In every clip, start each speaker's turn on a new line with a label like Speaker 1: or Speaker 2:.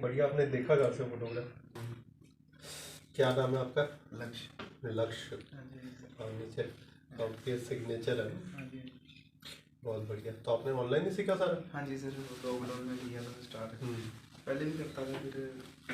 Speaker 1: बढ़िया, आपने देखा कहाँ से फोटोग्राफ? क्या नाम है आपका?
Speaker 2: लक्ष्य।
Speaker 1: लक्ष्य। हाँ, नीचे आपके सिग्नेचर है। बहुत बढ़िया। तो आपने ऑनलाइन ही सीखा सारा?
Speaker 2: हाँ जी सर, लॉकडाउन में किया था स्टार्ट। पहले भी करता था, फिर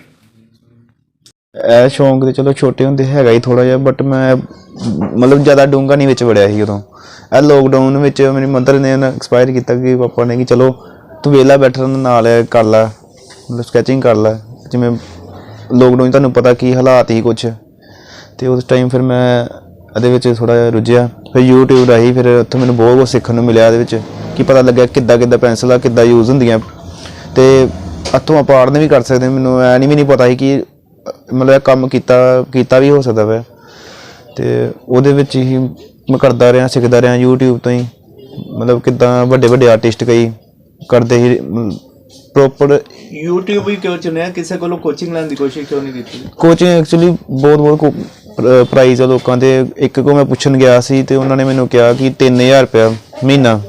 Speaker 3: ਇਹ ਸ਼ੌਂਕ ਤੇ ਚਲੋ ਛੋਟੇ ਹੁੰਦੇ ਹੈਗਾ ਹੀ ਥੋੜਾ ਜਿਹਾ, ਬਟ ਮੈਂ ਮਤਲਬ ਜ਼ਿਆਦਾ ਡੂੰਘਾ ਨਹੀਂ ਵਿੱਚ ਵੜਿਆ ਸੀ ਉਦੋਂ। ਇਹ ਲੋਕਡਾਊਨ ਵਿੱਚ ਮੇਰੀ ਮਦਰ ਨੇ ਐਕਸਪਾਇਰ ਕੀਤਾ ਕਿ ਪਾਪਾ ਨੇ ਕਿ ਚਲੋ ਤੂੰ ਵਿਹਲਾ ਬੈਠਣ ਨਾਲ ਕਰ ਲੈ, ਮਤਲਬ ਸਕੈਚਿੰਗ ਕਰ ਲੈ। ਜਿਵੇਂ ਲੋਕਡਾਊਨ ਤੁਹਾਨੂੰ ਪਤਾ ਕੀ ਹਾਲਾਤ ਹੀ ਕੁਛ, ਅਤੇ ਉਸ ਟਾਈਮ ਫਿਰ ਮੈਂ ਇਹਦੇ ਵਿੱਚ ਥੋੜ੍ਹਾ ਜਿਹਾ ਰੁੱਝਿਆ। ਫਿਰ ਯੂਟਿਊਬ ਰਾਹੀਂ ਫਿਰ ਉੱਥੋਂ ਮੈਨੂੰ ਬਹੁਤ ਕੁਛ ਸਿੱਖਣ ਨੂੰ ਮਿਲਿਆ ਇਹਦੇ ਵਿੱਚ, ਕਿ ਪਤਾ ਲੱਗਿਆ ਕਿੱਦਾਂ ਪੈਨਸਲਾਂ ਕਿੱਦਾਂ ਯੂਜ਼ ਹੁੰਦੀਆਂ, ਅਤੇ ਹੱਥੋਂ ਆਪਾਂ ਆੜਨ ਵੀ ਕਰ ਸਕਦੇ। ਮੈਨੂੰ ਐ ਵੀ ਨਹੀਂ ਪਤਾ ਸੀ ਕਿ ਮਤਲਬ ਇਹ ਕੰਮ ਕੀਤਾ ਵੀ ਹੋ ਸਕਦਾ ਵੈ, ਅਤੇ ਉਹਦੇ ਵਿੱਚ ਹੀ ਮੈਂ ਕਰਦਾ ਰਿਹਾ, ਸਿੱਖਦਾ ਰਿਹਾ ਯੂਟਿਊਬ ਤੋਂ ਹੀ। ਮਤਲਬ ਕਿੱਦਾਂ ਵੱਡੇ ਆਰਟਿਸਟ ਕਈ ਕਰਦੇ ਹੀ ਪ੍ਰੋਪਰ।
Speaker 4: YouTube ਹੀ ਕਿਉਂ ਚੁਣਿਆ? ਕਿਸੇ ਕੋਲੋਂ ਕੋਚਿੰਗ ਲੈਣ ਦੀ ਕੋਸ਼ਿਸ਼ ਕਿਉਂ ਨਹੀਂ ਕੀਤੀ?
Speaker 3: ਕੋਚਿੰਗ ਐਕਚੁਅਲੀ ਬਹੁਤ ਪ੍ਰਾਈਜ਼ ਆ ਲੋਕਾਂ ਦੇ। ਇੱਕ ਕੋ ਮੈਂ ਪੁੱਛਣ ਗਿਆ ਸੀ ਅਤੇ ਉਹਨਾਂ ਨੇ ਮੈਨੂੰ ਕਿਹਾ ਕਿ 3000 ਰੁਪਇਆ ਮਹੀਨਾ,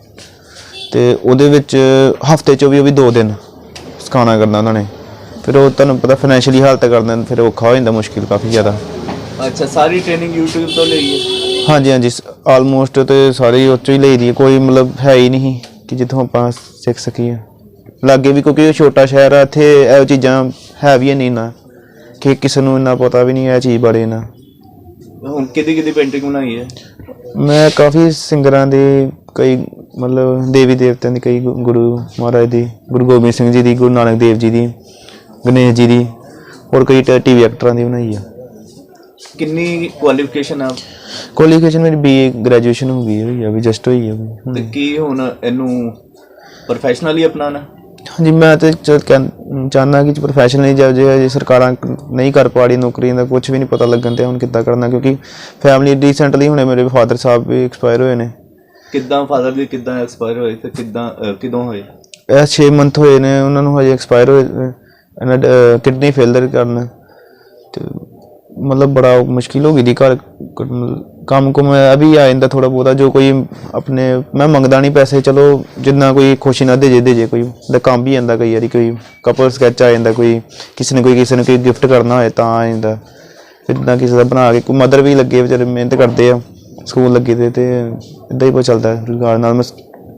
Speaker 3: ਅਤੇ ਉਹਦੇ ਵਿੱਚ ਹਫ਼ਤੇ 'ਚੋਂ ਵੀ ਉਹ ਵੀ 2 ਦਿਨ ਸਿਖਾਉਣਾ ਕਰਨਾ ਉਹਨਾਂ ਨੇ। ਫਿਰ ਉਹ ਤੁਹਾਨੂੰ ਪਤਾ ਫਾਈਨੈਂਸ਼ੀਅਲੀ ਹਾਲਤ ਕਰਦਾ, ਫਿਰ ਔਖਾ ਹੋ ਜਾਂਦਾ, ਮੁਸ਼ਕਿਲ ਕਾਫੀ ਜ਼ਿਆਦਾ।
Speaker 4: ਅੱਛਾ, ਸਾਰੀ ਟ੍ਰੇਨਿੰਗ YouTube ਤੋਂ ਲਈ ਹੈ?
Speaker 3: ਹਾਂਜੀ ਆਲਮੋਸਟ, ਅਤੇ ਸਾਰੀ ਉਹ 'ਚੋਂ ਹੀ ਲਈ ਦੀ ਹੈ। ਕੋਈ ਮਤਲਬ ਹੈ ਹੀ ਨਹੀਂ ਕਿ ਜਿੱਥੋਂ ਆਪਾਂ ਸਿੱਖ ਸਕੀਏ। ਲਾਗੇ ਵੀ ਕਿਉਂਕਿ ਛੋਟਾ ਸ਼ਹਿਰ ਆ, ਇੱਥੇ ਇਹੋ ਚੀਜ਼ਾਂ ਹੈ ਵੀ ਨਹੀਂ ਨਾ, ਕਿ ਕਿਸੇ ਨੂੰ ਇੰਨਾ ਪਤਾ ਵੀ ਨਹੀਂ ਇਹ ਚੀਜ਼ ਬਾਰੇ ਨਾ।
Speaker 4: ਹੁਣ ਕਿਹਦੀ ਪੇਂਟਿੰਗ ਬਣਾਈ ਹੈ?
Speaker 3: ਮੈਂ ਕਾਫੀ ਸਿੰਗਰਾਂ ਦੇ, ਕਈ ਮਤਲਬ ਦੇਵੀ ਦੇਵਤਿਆਂ ਦੀ, ਕਈ ਗੁਰੂ ਮਹਾਰਾਜ ਦੀ, ਗੁਰੂ ਗੋਬਿੰਦ ਸਿੰਘ ਜੀ ਦੀ, ਗੁਰੂ ਨਾਨਕ ਦੇਵ ਜੀ ਦੀ, ਗਣੇਸ਼ ਜੀ ਦੀ, ਹੋਰ ਕਈ TV ਐਕਟਰਾਂ ਦੀ ਬਣਾਈ ਆ।
Speaker 4: ਕਿੰਨੀ ਕੁਆਲੀਫਿਕੇਸ਼ਨ ਆ?
Speaker 3: ਕੁਆਲੀਫਿਕੇਸ਼ਨ ਮੇਰੀ BA ਗ੍ਰੈਜੂਏਸ਼ਨ ਹੋ ਗਈ ਹੈ, ਵੀ ਜਸਟ ਹੋਈ ਹੈ।
Speaker 4: ਤੇ ਕੀ ਹੁਣ ਇਹਨੂੰ ਪ੍ਰੋਫੈਸ਼ਨਲੀ ਅਪਣਾਉਣਾ? ਹਾਂਜੀ,
Speaker 3: ਮੈਂ ਤਾਂ ਚਾਹੁੰਦਾ ਕਿ ਪ੍ਰੋਫੈਸ਼ਨਲੀ ਜੇ ਸਰਕਾਰਾਂ ਨਹੀਂ ਕਰ ਪਾ ਰਹੀ ਨੌਕਰੀਆਂ ਦਾ, ਕੁਛ ਵੀ ਨਹੀਂ ਪਤਾ ਲੱਗਣ ਤੇ ਹੁਣ ਕਿੱਦਾਂ ਕਰਨਾ, ਕਿਉਂਕਿ ਫੈਮਿਲੀ ਰੀਸੈਂਟਲੀ ਹੁਣੇ ਮੇਰੇ ਫਾਦਰ ਸਾਹਿਬ ਵੀ ਐਕਸਪਾਇਰ ਹੋਏ ਨੇ।
Speaker 4: ਕਿੱਦਾਂ ਫਾਦਰ ਦੀ ਕਿੱਦਾਂ ਐਕਸਪਾਇਰ ਹੋਏ ਤੇ ਕਿਦੋਂ ਹੋਏ?
Speaker 3: ਇਹ 6 ਮੰਥ ਹੋਏ ਨੇ ਉਹਨਾਂ ਨੂੰ ਹਜੇ ਐਕਸਪਾਇਰ ਹੋਏ। ਇਹਨਾਂ ਕਿਡਨੀ ਫੇਲਰ ਕਰਨ, ਅਤੇ ਮਤਲਬ ਬੜਾ ਮੁਸ਼ਕਿਲ ਹੋ ਗਈ ਦੀ ਘਰ। ਕੰਮ ਕੁਮ ਇਹ ਵੀ ਆ ਜਾਂਦਾ ਥੋੜ੍ਹਾ ਬਹੁਤਾ, ਜੋ ਕੋਈ ਆਪਣੇ ਮੈਂ ਮੰਗਦਾ ਨਹੀਂ ਪੈਸੇ, ਚਲੋ ਜਿੰਨਾ ਕੋਈ ਖੁਸ਼ੀ ਨਾਲ ਦੇ ਜੇ ਕੋਈ ਦਾ ਕੰਮ ਵੀ ਜਾਂਦਾ। ਕਈ ਵਾਰੀ ਕੋਈ ਕਪਲ ਸਕੈਚ ਆ ਜਾਂਦਾ, ਕੋਈ ਕਿਸੇ ਨੇ ਕੋਈ ਗਿਫਟ ਕਰਨਾ ਹੋਏ ਤਾਂ ਆ ਜਾਂਦਾ। ਫਿਰ ਇੱਦਾਂ ਕਿਸੇ ਦਾ ਬਣਾ ਕੇ, ਕੋਈ ਮਦਰ ਵੀ ਲੱਗੇ ਵਿਚਾਰੇ ਮਿਹਨਤ ਕਰਦੇ ਆ, ਸਕੂਲ ਲੱਗੇ ਤੇ ਇੱਦਾਂ ਹੀ ਬਹੁਤ ਚੱਲਦਾ ਰੁਜ਼ਗਾਰ ਨਾਲ। ਮੈਂ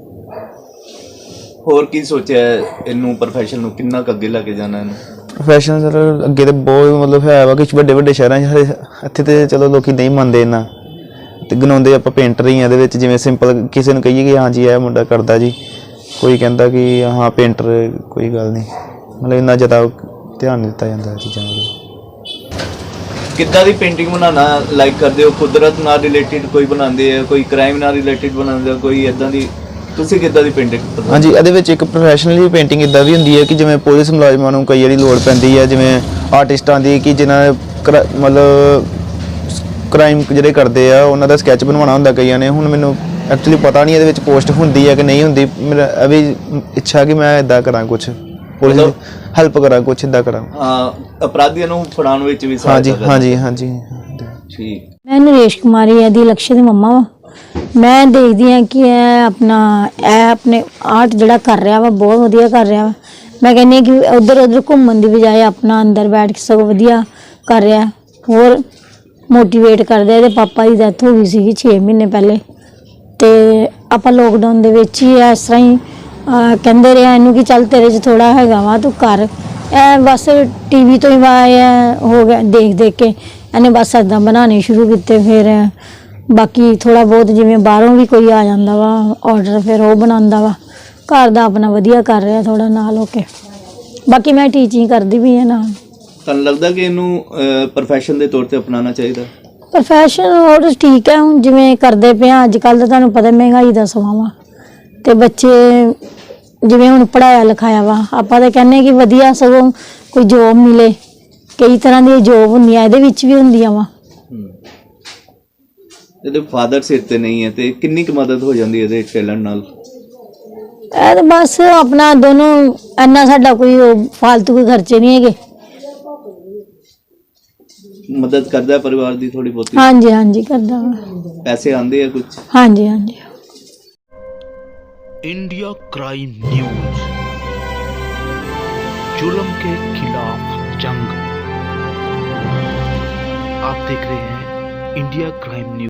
Speaker 4: ਹੋਰ ਕੀ ਸੋਚਿਆ ਇਹਨੂੰ, ਪ੍ਰੋਫੈਸ਼ਨ ਨੂੰ ਕਿੰਨਾ ਕੁ ਅੱਗੇ ਲੈ ਕੇ ਜਾਣਾ ਇਹਨੂੰ?
Speaker 3: ਪ੍ਰੋਫੈਸ਼ਨ ਸਰ ਅੱਗੇ ਤਾਂ ਬਹੁਤ ਮਤਲਬ ਹੈ ਵਾ, ਕੁਛ ਵੱਡੇ ਸ਼ਹਿਰਾਂ 'ਚ। ਇੱਥੇ ਤਾਂ ਚਲੋ ਲੋਕ ਨਹੀਂ ਮੰਨਦੇ ਇੰਨਾ, ਅਤੇ ਗਨਾਉਂਦੇ ਆਪਾਂ ਪੇਂਟਰ ਹੀ ਆ ਇਹਦੇ ਵਿੱਚ। ਜਿਵੇਂ ਸਿੰਪਲ ਕਿਸੇ ਨੂੰ ਕਹੀਏ ਕਿ ਹਾਂਜੀ ਇਹ ਮੁੰਡਾ ਕਰਦਾ ਜੀ, ਕੋਈ ਕਹਿੰਦਾ ਕਿ ਹਾਂ ਪੇਂਟਰ, ਕੋਈ ਗੱਲ ਨਹੀਂ। ਮਤਲਬ ਇੰਨਾ ਜ਼ਿਆਦਾ ਧਿਆਨ ਨਹੀਂ ਦਿੱਤਾ ਜਾਂਦਾ ਚੀਜ਼ਾਂ ਵੱਲ।
Speaker 4: ਕਿੱਦਾਂ ਦੀ ਪੇਂਟਿੰਗ ਬਣਾਉਣਾ ਲਾਈਕ ਕਰਦੇ ਹੋ? ਕੁਦਰਤ ਨਾਲ ਰਿਲੇਟਿਡ ਕੋਈ ਬਣਾਉਂਦੇ ਆ, ਕੋਈ ਕ੍ਰਾਈਮ ਨਾਲ ਰਿਲੇਟਿਡ ਬਣਾਉਂਦੇ ਆ, ਕੋਈ ਇੱਦਾਂ ਦੀ? ਤੁਸੀਂ ਕਿੱਦਾਂ ਦੀ ਪੇਂਟਿੰਗ?
Speaker 3: ਹਾਂਜੀ, ਇਹਦੇ ਵਿੱਚ ਇੱਕ ਪ੍ਰੋਫੈਸ਼ਨਲੀ ਪੇਂਟਿੰਗ ਇੱਦਾਂ ਵੀ ਹੁੰਦੀ ਹੈ ਕਿ ਜਿਵੇਂ ਪੁਲਿਸ ਮੁਲਾਜ਼ਮਾਂ ਨੂੰ ਕਈ ਵਾਰੀ ਲੋੜ ਪੈਂਦੀ ਹੈ, ਜਿਵੇਂ ਆਰਟਿਸਟਾਂ ਦੀ, ਕਿ ਜਿਹਨਾਂ ਮਤਲਬ ਕ੍ਰਾਈਮ ਜਿਹੜੇ ਕਰਦੇ ਆ ਉਹਨਾਂ ਦਾ ਸਕੈਚ ਬਣਵਾਉਣਾ ਹੁੰਦਾ ਕਈਆਂ ਨੇ। ਹੁਣ ਮੈਨੂੰ ਐਕਚੁਅਲੀ ਪਤਾ ਨਹੀਂ ਇਹਦੇ ਵਿੱਚ ਪੋਸਟ ਹੁੰਦੀ ਹੈ ਕਿ ਨਹੀਂ ਹੁੰਦੀ। ਮੇਰਾ ਇਹ ਵੀ ਇੱਛਾ ਕਿ ਮੈਂ ਇੱਦਾਂ ਕਰਾਂ, ਕੁਛ ਪੁਲਿਸ ਦੀ ਹੈਲਪ ਕਰਾਂ, ਕੁਛ ਇੱਦਾਂ ਕਰਾਂ।
Speaker 4: ਅਪਰਾਧੀਆਂ ਨੂੰ ਫੜਾਉਣ ਵਿੱਚ ਵੀ?
Speaker 3: ਹਾਂਜੀ।
Speaker 4: ਠੀਕ।
Speaker 5: ਮੈਂ ਨਰੇਸ਼ ਕੁਮਾਰੀ ਇਹਦੀ ਲਕਸ਼ਯ ਦੀ ਮੰਮਾ ਵਾ। ਮੈਂ ਦੇਖਦੀ ਹਾਂ ਕਿ ਇਹ ਆਪਣੇ ਆਰਟ ਜਿਹੜਾ ਕਰ ਰਿਹਾ ਵਾ ਬਹੁਤ ਵਧੀਆ ਕਰ ਰਿਹਾ ਵਾ। ਮੈਂ ਕਹਿੰਦੀ ਹਾਂ ਕਿ ਉੱਧਰ ਘੁੰਮਣ ਦੀ ਬਜਾਏ ਆਪਣਾ ਅੰਦਰ ਬੈਠ ਕੇ ਸਗੋਂ ਵਧੀਆ ਕਰ ਰਿਹਾ। ਹੋਰ ਮੋਟੀਵੇਟ ਕਰਦਾ। ਇਹਦੇ ਪਾਪਾ ਦੀ ਡੈਥ ਹੋ ਗਈ ਸੀਗੀ 6 ਮਹੀਨੇ ਪਹਿਲੇ, ਅਤੇ ਆਪਾਂ ਲੋਕਡਾਊਨ ਦੇ ਵਿੱਚ ਹੀ ਇਸ ਤਰ੍ਹਾਂ ਹੀ ਕਹਿੰਦੇ ਰਿਹਾ ਇਹਨੂੰ ਕਿ ਚੱਲ ਤੇਰੇ 'ਚ ਥੋੜ੍ਹਾ ਹੈਗਾ ਵਾ, ਤੂੰ ਕਰ। ਇਹ ਬਸ TV ਤੋਂ ਹੀ ਹੋ ਗਿਆ, ਦੇਖ ਕੇ ਇਹਨੇ ਬਸ ਇੱਦਾਂ ਬਣਾਉਣੇ ਸ਼ੁਰੂ ਕੀਤੇ। ਫਿਰ ਬਾਕੀ ਥੋੜ੍ਹਾ ਬਹੁਤ ਜਿਵੇਂ ਬਾਹਰੋਂ ਵੀ ਕੋਈ ਆ ਜਾਂਦਾ ਵਾ ਔਡਰ, ਫਿਰ ਉਹ ਬਣਾਉਂਦਾ ਵਾ। ਘਰ ਦਾ ਆਪਣਾ ਵਧੀਆ ਕਰ ਰਿਹਾ ਥੋੜ੍ਹਾ ਨਾਲ ਹੋ ਕੇ। ਬਾਕੀ ਮੈਂ ਟੀਚਿੰਗ ਕਰਦੀ ਵੀ ਹਾਂ ਨਾਲ।
Speaker 4: ਤੁਹਾਨੂੰ ਲੱਗਦਾ ਕਿ ਇਹਨੂੰ ਪ੍ਰੋਫੈਸ਼ਨ ਦੇ ਤੌਰ 'ਤੇ ਅਪਣਾਉਣਾ ਚਾਹੀਦਾ?
Speaker 5: ਪ੍ਰੋਫੈਸ਼ਨ ਹੋਰ ਠੀਕ ਹੈ। ਹੁਣ ਜਿਵੇਂ ਕਰਦੇ ਪਏ ਹਾਂ ਅੱਜ ਕੱਲ੍ਹ ਤਾਂ ਤੁਹਾਨੂੰ ਪਤਾ ਮਹਿੰਗਾਈ ਦਾ ਸਮਾਂ ਵਾ, ਅਤੇ ਬੱਚੇ ਜਿਵੇਂ ਹੁਣ ਪੜ੍ਹਾਇਆ ਲਿਖਾਇਆ ਵਾ, ਆਪਾਂ ਤਾਂ ਕਹਿੰਦੇ ਕਿ ਵਧੀਆ ਸਗੋਂ ਕੋਈ ਜੋਬ ਮਿਲੇ। ਕਈ ਤਰ੍ਹਾਂ ਦੀਆਂ ਜੋਬ ਹੁੰਦੀਆਂ, ਇਹਦੇ ਵਿੱਚ ਵੀ ਹੁੰਦੀਆਂ ਵਾ।
Speaker 4: ਇਹਦੇ ਫਾਦਰ ਸਿਰ 'ਤੇ ਨਹੀਂ ਹੈ, ਅਤੇ ਕਿੰਨੀ ਕੁ ਮਦਦ ਹੋ ਜਾਂਦੀ ਇਹਦੇ ਟੈਲੈਂਟ ਨਾਲ?
Speaker 5: ਇਹ ਤਾਂ ਬਸ ਆਪਣਾ ਦੋਨੋਂ, ਇੰਨਾ ਸਾਡਾ ਕੋਈ ਫਾਲਤੂ ਕੋਈ ਖਰਚੇ ਨਹੀਂ ਹੈਗੇ।
Speaker 4: ਮਦਦ ਕਰਦਾ ਪਰਿਵਾਰ ਦੀ ਥੋੜੀ ਬਹੁਤੀ?
Speaker 5: ਹਾਂਜੀ ਕਰਦਾ ਵਾ।
Speaker 4: ਪੈਸੇ ਆਉਂਦੇ ਆ ਕੁਝ?
Speaker 5: ਹਾਂਜੀ।
Speaker 6: इंडिया क्राइम न्यूज जुल्म के खिलाफ जंग। आप देख रहे हैं इंडिया क्राइम न्यूज।